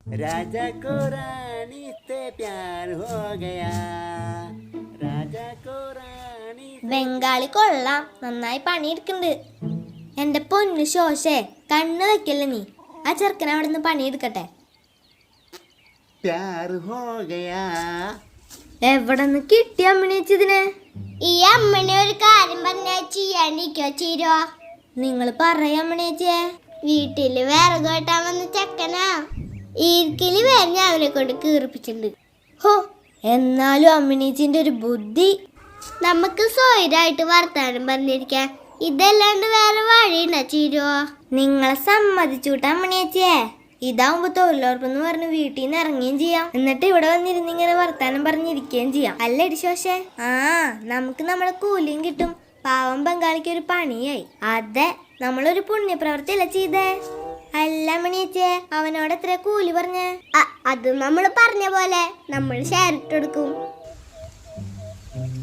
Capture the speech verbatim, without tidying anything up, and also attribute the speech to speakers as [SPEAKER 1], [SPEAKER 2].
[SPEAKER 1] राजा को रानी से प्यार हो गया राजा को रानी
[SPEAKER 2] ബംഗാളി കൊള്ളാം, നന്നായി പണിയെടുക്കുന്നുണ്ട്. എന്റെ പൊന്നു ശോശേ, കണ്ണ് വെക്കല്ല നീ. ആ ചെറുക്കൻ അവിടെ നിന്ന് പണിയെടുക്കട്ടെ.
[SPEAKER 1] प्यार हो गया.
[SPEAKER 2] എവിടെ നിന്ന് കിട്ടിയ അമ്മണിച്ചതിനെ?
[SPEAKER 3] ഈ അമ്മനെ ഒരു കാര്യം പറഞ്ഞാൽ ചെയ്യാണ്ടിരിക്കോ ചീരോ?
[SPEAKER 2] നിങ്ങൾ പറയാമ്മണേച്ചേ.
[SPEAKER 3] വീട്ടില് വിറക് വെട്ടാൻ വന്ന ചെക്കനാ. ഈർക്കില് വേറെ അവനെ കൊണ്ട് കീറിപ്പിച്ചിട്ടുണ്ട്.
[SPEAKER 2] ഹോ, എന്നാലും അമ്മിണീച്ചിന്റെ ഒരു ബുദ്ധി.
[SPEAKER 3] നമുക്ക് സ്വൈരായിട്ട് വർത്താനം പറഞ്ഞിരിക്കാൻ ഇതല്ലാണ്ട് വേറെ വഴിയുണ്ടോ ചീരോ?
[SPEAKER 2] നിങ്ങളെ സമ്മതിച്ചുട്ടാ അമ്മണിയച്ചേ. ഇതാവുമ്പോ തൊഴിലുറപ്പെന്ന് പറഞ്ഞ് വീട്ടിൽ നിന്ന് ഇറങ്ങുകയും ചെയ്യാം, എന്നിട്ട് ഇവിടെ വന്നിരുന്ന് ഇങ്ങനെ വർത്താനം പറഞ്ഞിരിക്കുകയും ചെയ്യാം. അല്ല ഇടിശോശേ? ആ, നമുക്ക് നമ്മളെ കൂലിയും കിട്ടും. പാവം ബംഗാളിക്ക് ഒരു പണിയായി. അതെ, നമ്മളൊരു പുണ്യപ്രവൃത്തിയല്ല ചെയ്തേ. അല്ല മണിയച്ചേ, അവനോട് എത്ര കൂലി പറഞ്ഞേ?
[SPEAKER 3] അത് നമ്മൾ പറഞ്ഞ പോലെ നമ്മൾ ഷെയർ ഇട്ട് കൊടുക്കും.